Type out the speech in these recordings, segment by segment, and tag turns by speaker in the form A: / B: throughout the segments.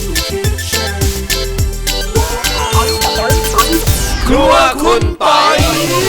A: ครัวคุณปอย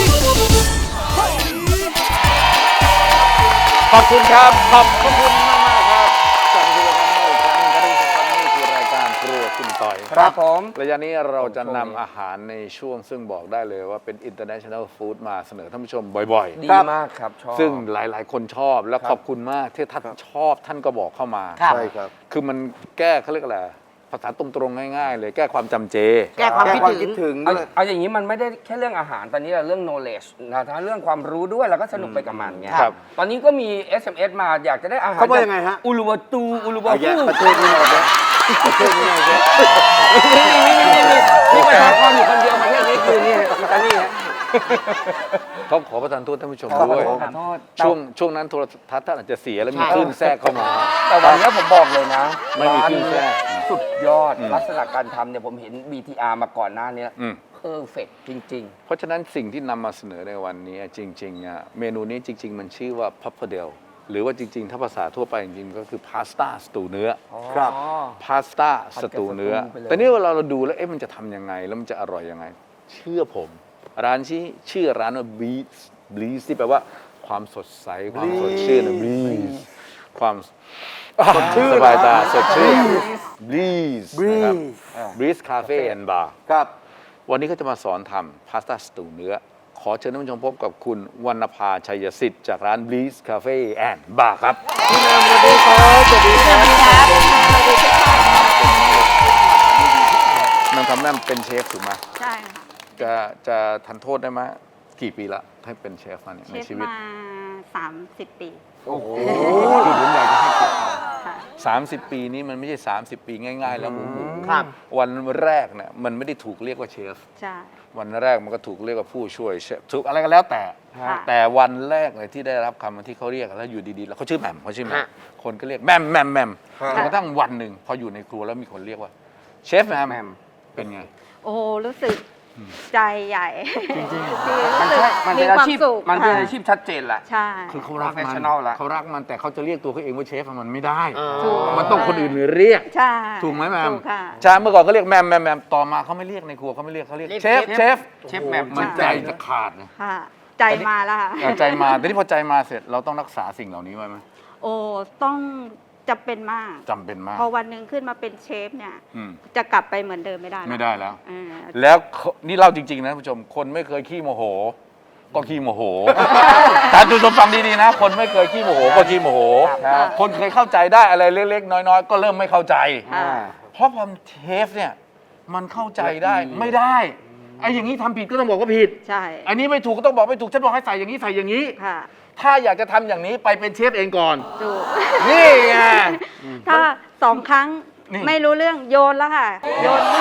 A: ขอบคุณครับขอบคุณมากครับกลับมาดูกันอีกครั้งกันนี่คือรายการครัวคุณปอย
B: ครับผม
A: ระยะนี้เราจะนำอาหารในช่วงซึ่งบอกได้เลยว่าเป็น international food มาเสนอท่านผู้ชมบ่อยๆ
B: ดีมากครับชอบ
A: ซึ่งหลายๆคนชอบและขอบคุณมากที่ท่านชอบท่านก็บอกเข้ามา
B: ใช่ครับ
A: คือมันแก้เขาเรียกอะไรภาษาตรงๆง่ายๆเลยแก้ความจำเจ
B: แก้ความคิดถึงเอาอย่างนี้มันไม่ได้แค่เรื่องอาหารตอนนี้เราเรื่อง knowledge นะถ้าเรื่องความรู้ด้วยเราก็สนุกไปกับมันไงตอนนี้ก็มี SMS มาอยากจะได้อาหาร
C: เขาว่ายังไงฮะ
B: อุลุวาตูอุลุวาฮู
C: ประเทศนี้หมดเลยประเทศนี้หมดเลย
B: นี่ประชากรอยู่คนเดียวประเทศนี้คือนี่อิตาลีฮะ
A: เขาขอประทานโทษท่านผู้ชมด้วยช่วงนั้นโทรทัศน์ท่านอาจจะเสียแล้วมีคลื่นแทรกเข้ามา
B: แต่วันนี้ผมบอกเลยนะ
A: ไม่มีคลื่นแทรก
B: สุดยอดลักษณะการทำเนี่ยผมเห็น BTR มาก่อนหน้านี้เพอร์เฟกต์จริงๆ
A: เพราะฉะนั้นสิ่งที่นำมาเสนอในวันนี้จริงๆเมนูนี้จริงๆมันชื่อว่าพัพเปอร์เดลหรือว่าจริงๆถ้าภาษาทั่วไปจริงๆก็คือพาสต้าสตูเนื้อ
C: ครับ
A: พาสต้าสตูเนื้อแต่นี่เวลาเราดูแล้วมันจะทำยังไงแล้วมันจะอร่อยยังไงเชื่อผมร้านชื่อร้านว่า Breeze ที่แปลว่าความสดใสความสดชื่นนะ Breeze ความสดชื่นสบายตาสดชื่น Breeze นะครับ Breeze Cafe and Bar
C: ครับ
A: วันนี้ก็จะมาสอนทำพาสต้าสตูเนื้อขอเชิญท่านผู้ชมพบกับคุณวรรณภาชัยสิทธิ์จากร้าน Breeze Cafe and Bar ครับ
C: พี่นามสวัสดีครับสวัสดีครับ
A: นางทำนั่นเป็นเชฟถูกไหม
D: ใช่ค่ะ
A: จะทันโทษได้ไหมกี่ปีละให้เป็นเชฟมาเนี่ยในชีวิต
D: มา30 ปี
A: โอ้โหคือผมอยากจะให้เกียรติ30 ปีนี้มันไม่ใช่30 ปีง่ายๆแล้วหมู
B: ครับ
A: วันแรกเนี่ยมันไม่ได้ถูกเรียกว่าเชฟ
D: ใช่
A: วันแรกมันก็ถูกเรียกว่าผู้ช่วยเชฟถูกอะไรก็แล้วแต่วันแรกเลยที่ได้รับคำที่เขาเรียกแล้วอยู่ดีๆแล้วเขาชื่อแหม่มเขาชื่อแหม่มคนก็เรียกแหม่มจนกระทั่งวันหนึ่งพออยู่ในครัวแล้วมีคนเรียกว่าเชฟแหม่มเป็นไง
D: โอ้รู้สึกใจใหญ่
B: จริงๆมันเป็นอาชีพมันเป็นอาชีพชัดเจนแหละ
D: ใช่
A: คือเขารักมันแต่เขาจะเรียกตัวเขาเองว่าเชฟมันไม่ได้มันต้องคนอื่นเรียก
D: ใช่
A: ถูกไหมแม่
D: ใช่
A: เมื่อก่อนเขาเรียกแม่มต่อมาเขาไม่เรียกในครัวเขาไม่เรียกเขาเรียกเชฟ
B: แม่
A: มันใจจะขาดนะ
D: ใจมาแล้วค่ะ
A: ใจมาแต่นี่พอใจมาเสร็จเราต้องรักษาสิ่งเหล่านี้ไว้ไหม
D: โอ้ต้องจำเป็นมากพอวันหนึ่งขึ้นมาเป็นเชฟเนี่ยจะกลับไปเหมือนเดิมไม่ได้
A: แล้วแล้วนี่เล่าจริงๆนะผู้ชมคนไม่เคยขี้โมโหก็ขี้โมโหแต่ดูฟังดีๆนะคนไม่เคยขี้โมโหก็ขี้โมโหคนเคยเข้าใจได้อะไรเล็กๆน้อยๆก็เริ่มไม่เข้าใจเพราะพอเชฟเนี่ยมันเข้าใจได้ไม่ได้ไอ้อย่างนี้ทำผิดก็ต้องบอกว่าผิด
D: ใช่
A: อันนี้ไม่ถูกก็ต้องบอกไม่ถูกฉันบอกให้ใส่อย่างนี้ใส่อย่างนี้ถ้าอยากจะทำอย่างนี้ไปเป็นเชฟเองก่อน
D: ถูก
A: นี่ไง
D: ถ้า2 ครั้งไม่รู้เรื่องโยนแล้วค่ะโยนนี่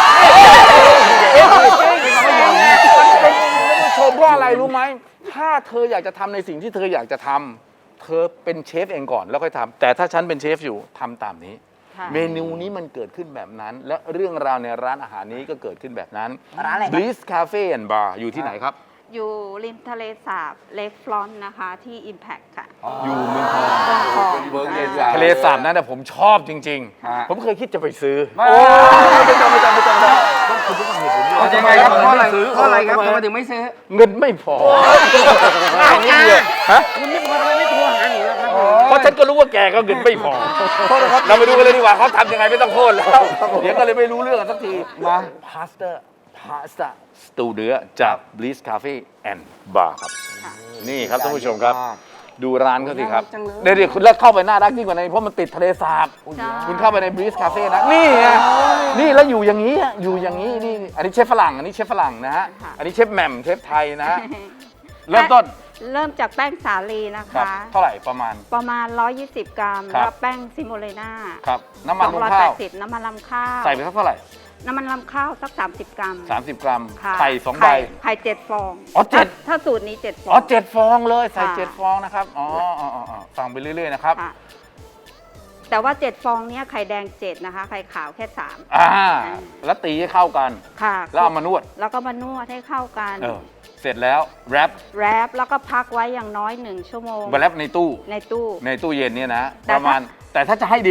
A: ชมเพราะอะไรรู้ไหมถ้าเธออยากจะทำในสิ่งที่เธออยากจะทำเธอเป็นเชฟเองก่อนแล้วค่อยทำแต่ถ้าฉันเป็นเชฟอยู่ทำตามนี้เมนูนี้มันเกิดขึ้นแบบนั้นและเรื่องราวในร้านอาหารนี้ก็เกิดขึ้นแบบนั้น Breeze Cafe and Bar อยู่ที่ไหนครับ
D: อยู่ริมทะเลสาบเลคฟลอนนะคะที่ Impact ค่ะ
A: อยู่เมืองทองทะเลสาบนั้นผมชอบจริงๆผมเคยคิดจะไปซื้อไม่ต้องต้องคุณต้องเหตุผลด้วย
B: ทำไมครับเพราะอะไรครับทำไมถึงไม่ซื้อ
A: เงินไม่พอง่ายนิดเดียว
B: เงินไม่พอทำไมไม่โทรหาหนิแล้วครับ
A: เพราะฉันก็รู้ว่าแกก็เงินไม่พอเราไปดูกันเลยดีกว่าเขาทำยังไงไม่ต้องโทษแล้วเดี๋ยวก็เลยไม่รู้เรื่องกันสักทีมาพาสต้าสตูเนื้อจาก Breeze Cafe and Bar ครับนี่ครับท่านผู้ชมครับดูร้านเขาสิครับเดี๋ยวคุณเลิกเข้าไปน่ารักยิ่งกว่านี้เพราะมันติดทะเลสาบคุณเข้าไปใน Breeze Cafe นะนี่ไงนี่แล้วอยู่อย่างนี้นี่อันนี้เชฟฝรั่งนะฮะอันนี้เชฟแหม่มเชฟไทยนะฮะเริ่มต้น
D: เริ่มจากแป้งสาลีนะคะ
A: เท่าไหร่ประมาณ
D: 120 กรัมแล้วแป้งซิโมเลน่า
A: ครับน้ำมันข้าว
D: 280น้ำมันลำข้าว
A: ใส่ไปเท่าไหร่
D: น้ำมันลำข้าวสัก30 กรัม
A: 30 กรัมไข่2 ใบ
D: ไข่7 ฟองถ้าสูตรนี้7 ฟอง
A: 7 ฟองเลยใส่7 ฟองนะครับฟังไปเรื่อยๆนะครับ
D: แต่ว่า7 ฟองนี้ไข่แดง7นะคะไข่ขาวแค่3
A: แล้วตีให้เข้ากัน
D: ค่ะ
A: แล้วเอามานวด
D: แล้วก็มานวดให้เข้ากัน
A: เสร็จแล้วแรป
D: แล้วก็พักไว้อย่างน้อย1 ชั่วโมง
A: แรปในตู้เย็นเนี่ยนะประมาณแต่ถ้าจะให้ดี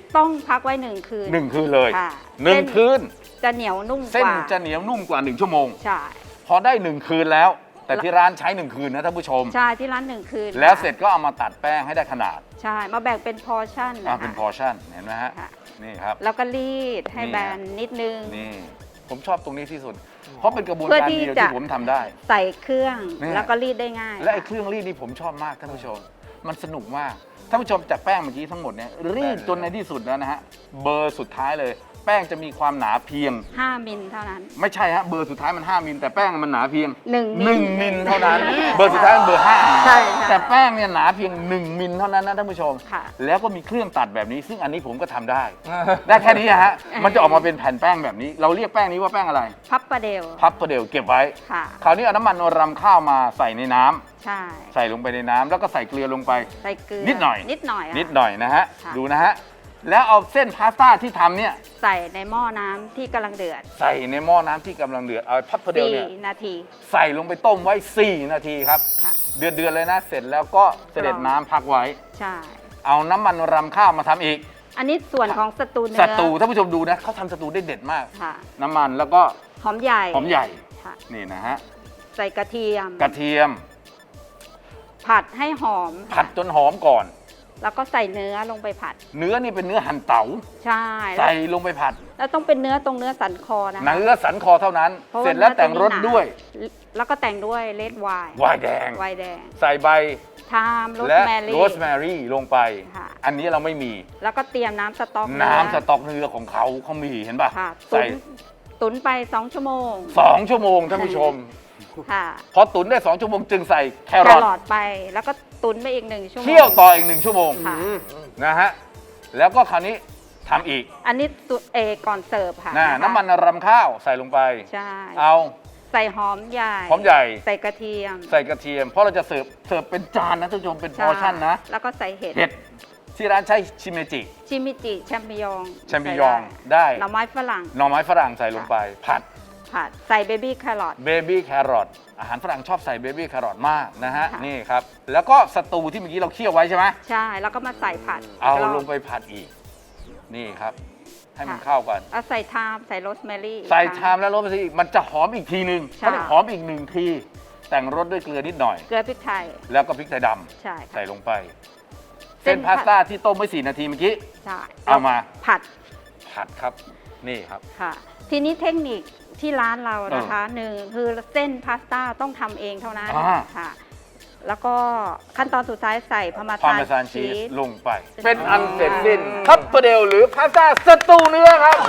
D: ต้องพักไว้1 คืน
A: 1 คืนเลย
D: ค่ะ
A: 1 คืน
D: จะเหนียวนุ่ม
A: เส้
D: ก
A: น
D: ว่า
A: จะเหนียวนุ่มกว่า1 ชั่วโมง
D: ใช่
A: พอได้ 1 คืนแล้ว แต่ที่ร้านใช้ 1 คืนนะท่านผู้ชม
D: ใช่ที่ร้าน1 คืน
A: แล้ว
D: ค่ะ
A: เสร็จก็เอามาตัดแป้งให้ได้ขนาด
D: ใช่มาแบ่งเป็นพอร์ชั่นนะคะ
A: เป็นพอร์ชั่นเห็นไหมฮะ
D: ค่ะ
A: นี่ครับ
D: แล้วก็รีดให้
A: นี่
D: แบนนิดนึง
A: นี่ผมชอบตรงนี้ที่สุด เพราะเป็นกระบวน
D: เพื่อ
A: การ
D: ที่
A: เดียว
D: จะ
A: ที่ผมทำได้
D: ใส่เครื่อง
A: เนี่ย
D: แล้วก็รีดได้ง่าย
A: และไอ้เครื่องรีดนี่ผมชอบมากท่านผู้ชม มันสนุกมากท่านผู้ชมจากแป้งเมื่อกี้ทั้งหมดเนี่ยรีดจนในที่สุดแล้วนะฮะเบอร์สุดท้ายเลย แป้งจะมีความหนาเพียง
D: 5 มิลเท่านั้น
A: ไม่ใช่ฮะเบอร์สุดท้ายมัน 5 มิลแต่แป้งมันหนาเพียง
D: 1 มิล
A: 1 มิลเท่านั้น เบอร์สุดท้ายมันเบอร์5
D: ใช่ค่ะ
A: แต่แป้งเนี่ยหนาเพียง 1 มิลเท่านั้นนะท่านผู้ชม
D: ค่ะ
A: แล้วก็มีเครื่องตัดแบบนี้ ซึ่งอันนี้ผมก็ทำได้ ได้แค่นี้ฮะมันจะออกมาเป็นแผ่นแป้งแบบนี้ เราเรียกแป้งนี้ว่าแป้งอะไร
D: พับประเดล
A: พับประเดี๋ยวเก็บไว้
D: ค่ะ
A: คราวนี้เอาน้ำมันรำข้าวมาใส่ในน้ำ
D: ใช่
A: ใส่ลงไปในน้ำแล้วก็ใส่เกลือลงไป
D: ใส่เกลือ
A: นิดหน่อย
D: นิดหน่อยอะ
A: นิดหน่อยนะฮะ
D: ค่ะ
A: ดูนะฮะ แล้วเอาเส้นพาสต้าที่ทำเนี่ย
D: ใส่ในหม้อน้ำที่กำลังเดือด
A: ใส่ในหม้อน้ำที่กำลังเดือด เอาพับเพเดลเนี่ย
D: 4 นาที
A: ใส่ลงไปต้มไว้ 4 นาทีครับ
D: ค่ะ
A: เดือดๆเลยนะ เสร็จแล้วก็เสด็จน้ำพักไว้
D: ใช่
A: เอาน้ำมันรำข้าวมาทำอีก
D: อันนี้ส่วนของสตูเนื้
A: ส
D: อ
A: ตูท่านผู้ชมดูนะเขาทำสตูได้เด็ดมาก
D: ค่ะ
A: น้ำมันแล้วก็
D: หอมใหญ่
A: หอมใหญ่
D: ค่ะ
A: นี่นะฮะ
D: ใส่กระเทียม
A: กระเทียม
D: ผัดให้หอม
A: ผัดจนหอมก่อน
D: แล้วก็ใส่เนื้อลงไปผัด
A: เนื้อนี่เป็นเนื้อหั่นเต๋า
D: ใช่แล้ว
A: ใส่ลงไปผัด
D: แล้วต้องเป็นเนื้อตรงเนื้อสันคอนะคะ
A: เนื้อสันคอเท่านั้น
D: พาะา
A: เสร็จแล้วแต่งรส
D: เนื้อ
A: ด้วย
D: จะมีหนาแล้วก็แต่งด้วยเลดไวน์
A: ไวน์แดง
D: ไวน์แดง
A: ใส่ใบ
D: ไทม์โรส
A: และ
D: แมรี่
A: โรสแมรี่ลงไป
D: ค่ะ
A: อันนี้เราไม่มี
D: แล้วก็เตรียมน้ำสต๊อก
A: น้ำส
D: เนื้อ
A: ต๊อกเนื้อของเขามีเห็นป่ะ
D: ค่ะ
A: ใส่
D: ตุ๋นไป2 ชั่วโมง
A: 2 ชั่วโมงท่านผู้ชม
D: ค่ะ
A: พอตุ๋นได้ 2 ชั่วโมงจึงใส่แค
D: แค
A: รอท
D: รอทไปแล้วก็ตุ๋นไปอีก1 ชั่วโมง
A: เคี่ยวต่ออีก 1 ชั่วโมง
D: ค่ะ
A: นะฮะแล้วก็คราวนี้ทำอีก
D: อันนี้ก่อนเสิร์ฟค่ะ
A: นะน้ำมันรำข้าวใส่ลงไป
D: ใช่
A: เอา
D: ใส่หอมใหญ่
A: หอมใหญ่
D: ใส่กระเทียม
A: ใส่กระเทียม เพราะเราจะเสิร์ฟเป็นจานนะท่านผู้ชมเป็นพอร์ชั่นนะ
D: แล้วก็ใส่เห็ด
A: เห็ดที่ร้านใช้ชิเมจิ
D: ชิมิจิแชมปิญอง
A: แชมปิญองได้
D: หน่อไม้ฝรั่ง
A: หน่อไม้ฝรั่งใส่ลงไป ผัด
D: ผัดใส่เบบี้แครอท
A: เบบี้แครอทอาหารฝรั่งชอบใส่เบบี้แครอทมากนะฮะ
D: ค่ะ
A: นี่ครับ แล้วก็สตูที่เมื่อกี้เราเคี่ยวไว้ใช่ไหม
D: ใช่แล้วก็มาใส่ผัด
A: เอา
D: กรบ
A: ลงไปผัดอีก นี่ครับ ให้มัน
D: ค่ะ
A: เข้ากัน
D: เอาใส่ไทม์ใส่โรสแมรี่
A: ใส่
D: อีกค
A: ชา
D: รั้ง
A: มแล้วรสไปอีกมันจะหอมอีกทีนึง
D: ใช่
A: ถ้าได้หอมอีก1 ที แต่งรสด้วยเกลือนิดหน่อย
D: เกลือพริกไทย
A: แล้วก็พริกไทยด
D: ใช่
A: ำ
D: ค่ะ
A: ใส่ลงไป
D: เส้
A: เส้น
D: น
A: พาสต้าที่ต้มไว้4 นาทีเมื่อกี้
D: ใช่
A: เอามา
D: ผัด
A: ผัดครับ นี่ครับ
D: ค่ะ ทีนี้เทคนิคที่ร้านเรานะคะหนึ่งคือเส้นพาสต้าต้องทำเองเท่านั้น
A: อ่า
D: ค่ะ แล้วก็ขั้นตอนสุดท้ายใส่พาร์มา
A: พา
D: ซาน
A: เมซานชี
D: ชี
A: ส
D: ส
A: ลงไป เป็นอันเสร็จสิ้นทัพเปเดลหรือพาสต้าสตูเนื้อครับ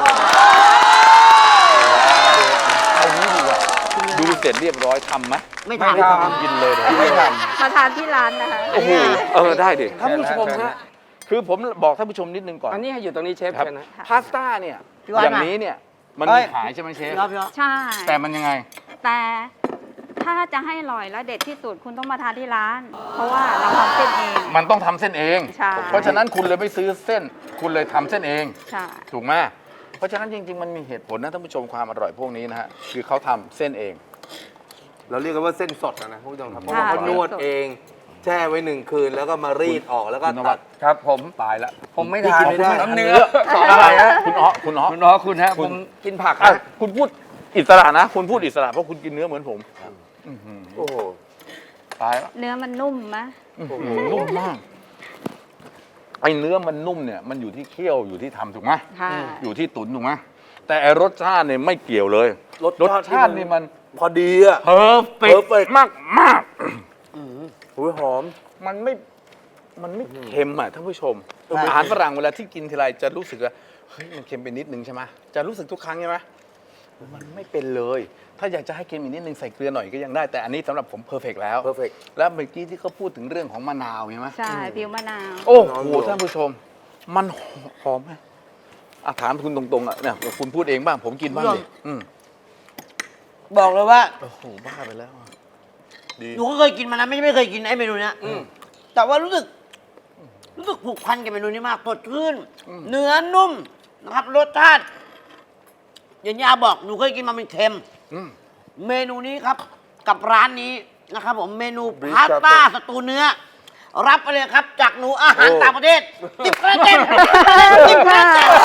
A: เอางี้ดีกว่าดูเสร็จเรียบร้อยทำไหม
C: ไม่ทำ
B: ไม่ทำ
A: กินเลยเดี๋ยว
B: ไม่ท
D: มาทานที่ร้านนะคะ
A: โอ้โหได้ดิท่านผู้ชม
B: เชิญ
A: ฮะ
B: ฮะ
A: คือผมบอกท่านผู้ชมนิดนึงก่อน
B: ำอันนี้ให้อยู่ตรงนี้เชฟ
A: ครับ
B: เชิญนะ
A: พาสต้าเนี่ย
C: พี่ว่า
A: อย่างนี้เนี่ยมัน
C: เอ้
A: มี
C: ย
A: ขายใช่ไหมเชฟ
C: พี่อ๊อฟ
D: ใช่
A: แต่มันยังไง
D: แต่ถ้าจะให้อร่อยและเด็ดที่สุดคุณต้องมาทานที่ร้าน เพราะว่าเราทำเส้นเอง
A: มันต้องทำเส้นเอง
D: ใช่
A: เพราะฉะนั้นคุณเลยไม่ซื้อเส้น คุณเลยทำเส้นเอง
D: ใช่
A: ถูกไหมเพราะฉะนั้นจริง ๆ มันมีเหตุผลนะท่านผู้ชมความอร่อยพวกนี้นะฮะ คือเขาทำเส้นเอง
C: เราเรียกกันว่าเส้นสดนะคุณผู้ชมครับเพราะว่าเขานวดเอง แช่ไว้1 คืนแล้วก็มารีดออกแล้วก็
A: คุณนวั
C: ตั
A: ด
C: ด
B: ครับผม
A: ตายละ
B: ผมไม่
C: พี่
B: ทาน
C: กินไม่ได้
B: น้ำเนื้อ
A: อะไรฮะคุณอ๋อคุณอ๋อ
B: คุณน้อคุณฮะ
A: คุ
B: ผ
A: ณ
B: มกินผัก
A: อ่ะ
B: นะ
A: คุณพูดอิสระนะ คุณพูดอิสระเพราะคุณกินเนื้อเหมือนผมอื้อหือ
C: โอ้โห
A: ตายละ
D: เนื้อมันนุ่มไหม
A: อื้อหือนุ่มมากไอ้เนื้อมันนุ่มเนี่ยมันอยู่ที่เคี่ยวอยู่ที่ทำถูกไหม
D: ค่ะ
A: อยู่ที่ตุ๋นถูกไหมแต่ไอ้รสชาติเนี่ยไม่เกี่ยวเลย รสชาตินี่มัน
C: พอดีอ่ะ
A: เพอร์เฟก
C: perfect
A: มากมาก
C: หูยหอม
A: มันไม่เค็มอ่ะท่านผู้ชม
C: ใช่
A: อาหารฝรั่งเวลาที่กินทีไรจะรู้สึกว่าเฮ้ยมันเค็มไปนิดนึงใช่ไหมจะรู้สึกทุกครั้งใช่ไหมมันไม่เป็นเลย ถ้าอยากจะให้เค็มอีกนิดนึงใส่เกลือหน่อยก็ยังได้แต่อันนี้สำหรับผมเพอร์เฟกแล้ว
C: perfect
A: แล้วเมื่อกี้ที่เขาพูดถึงเรื่องของมะนาวใช่ไหม
D: ใช่ผิวมะนาว
A: โอ้โห
C: มะนาว
A: ท่านผู้ชม มันหอมไหมอ่ะถามคุณตรงๆอ่ะเนี่ยคุณพูดเองบ้างผมกินบ้างดิอืม
E: บอกเลยว่า
A: โอ้โหบ้าไปแล้วอ่ะดี
E: หนูก็เคยกินมานะไม่เคยกินไอ้เมนูเนี้ยแต่ว่ารู้สึกผูกพันกับเมนูนี้มากสดชื่นเนื้อนุ่มนะครับรสชาติอย่างที่อาบอกหนูเคยกินมามันเค็ม
A: อืม
E: เมนูนี้ครับกับร้านนี้นะครับผมเมนู
C: Beef
E: พาสต้า
C: Cafe
E: สตูเนื้อรับไปเลยครับ จากหนูอาหารต่างประเทศ10 คะแนนเต็ม10 คะแนนเต็ม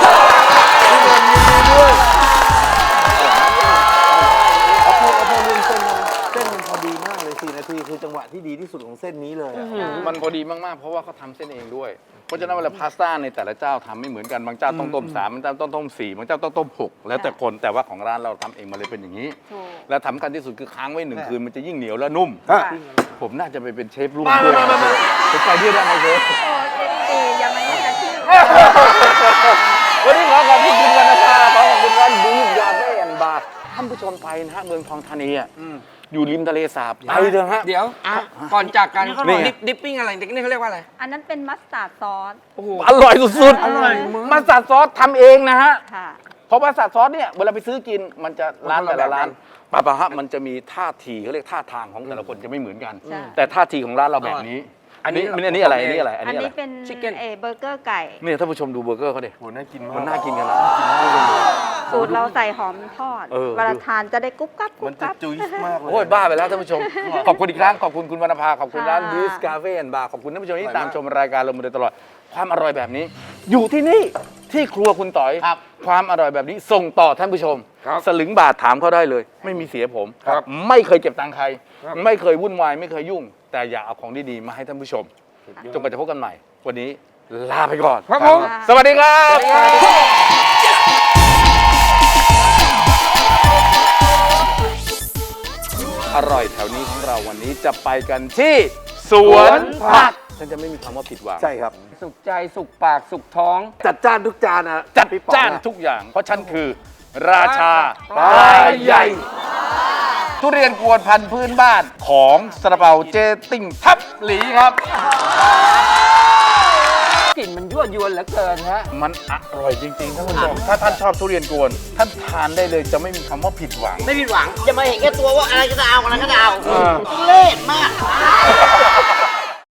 C: เอาพอเรื่องเส้นนะเส้นมันพอดีมากเลย4 นาทีคือจังหวะที่ดีที่สุดของเส้นนี้เลยอะ
A: มันพอดีมากๆเพราะว่าเขาทำเส้นเองด้วยเพราะฉะนั้นเวลาพาสต้าในแต่ละเจ้าทำไม่เหมือนกันบางเจ้าต้องต้ม3บางเจ้าต้องต้ม4บางเจ้าต้องต้ม6แล้วแต่คนแต่ว่าของร้านเราทำเองมาเลยเป็นอย่างนี้
D: ถูก
A: และสำคัญที่สุดคือค้างไว้1 คืนมันจะยิ่งเหนียวและนุ่ม
D: ค่ะ
A: ผมน่าจะไปเป็นเชฟรุ่งด้วยผมไปด้วยได้ไหมเชฟ
D: โอ้เอยังไม่ได้ชื่อ
A: วันนี้ขอขอบคุณคุณวรรณภาขอขอบคุณร้านบีฟยาเฟ่แอนด์บาร์ท่านผู้ชมไปนะฮะเมืองทองธานีอ่ะอยู่ริมทะเลสาบไปเถอะฮะ
B: เดี๋ยวก่อนจากกัน
A: นี่
B: ดิปปิ้งอะไรนี่เขาเรียกว่าอะไร
D: อันนั้นเป็นมัสตาร์ดซอส
B: โอ้โห
A: อร่อยสุดๆ
B: อร่อยมาก
A: มาสตาร์ดซอสทำเองนะฮะ
D: ค่ะ
A: เพราะว่าสตาร์ดซอสเนี่ยเวลาไปซื้อกินมันจะร้าน
B: มันคนละ
A: แต่ละร้าน
B: แบบ
A: ปะฮะมันจะมีท่าทีเขาเรียกท่าทางของแต่ละคนจะไม่เหมือนกัน
D: ใช่
A: แต่ท่าทีของร้านเราแบบนี้ อันนี้อะไรอันนี้อะไรอัน
D: อัน
A: นี้อะไร
D: นี้เป็น
B: Chicken
D: เบอร์เกอร์ไก่
A: เนี่ยท่านผู้ชมดูเบอร์เกอร์เขาดิ
C: โหน่ากินมาก
A: มันน่ากินขนาดนั้น
D: สูตรเราใส่หอมทอด
A: เออ
D: เวลาทานจะได้กรุ๊บกรับกรุ๊
C: มัน
D: บ
C: จะ
D: กรับ
C: จุ๊ยมากเลย
A: โอ้ยบ้าไปแล้วท่านผู้ชม ขอบคุณอีกครั้งขอบคุณคุณวรรณภาขอบคุณร้าน
D: ค่ะ
A: บีสกาเฟ่แอนด์บาร์ขอบคุณท่านผู้ชมที่ตามชมรายการเรามาโดยตลอดความอร่อยแบบนี้ อยู่ที่นี่ที่ครัวคุณต่อย
E: ครับ
A: ความอร่อยแบบนี้ส่งต่อท่านผู้ชม
B: ครับ
A: สลึงบาทถามเขาได้เลย ไม่มีเสียผม
B: ครับ
A: ไม่เคยเก็บตังค์ใคร
B: ครับ
A: ไม่เคยวุ่นวายไม่เคยยุ่ง แต่อย่าเอาของดีๆมาให้ท่านผู้ชมจนกว่าจะพบกันใหม่ วันนี้ลาไปก่อน
B: ครับผม
A: สวัสดีครับ อร่อยแถวนี้ของเราวันนี้จะไปกันที่สวนผักฉันจะไม่มีคำว่าผิดหวัง
C: ใช่ครับ
B: สุขใจสุขปากสุขท้อง
C: จัดจ้านทุกจานนะ
A: จัด
C: พี่ป๋อง
A: จ้าน
C: อะ
A: ทุกอย่าง เพราะฉันคือ ราชา
B: ปลา
A: ปลาใหญ่ ทุเรียนกวนพันธุ์พื้นบ้านของซาลาเปาเจติ้งทับหลีครับ
B: กลิ่นมันยั่วยวนเหลือเกินฮะ
A: มันอร่อยจริงๆท่านผู้ชมถ้าท่านชอบทุเรียนกวน ท่านทานได้เลยจะไม่มีคำว่าผิดหวัง
E: ไม่ผิดหวัง อย่ามาเห็นแค่ตัวว่าอะไรก็จะเอาอะไรก็จะเอา
A: เออ
E: ทุ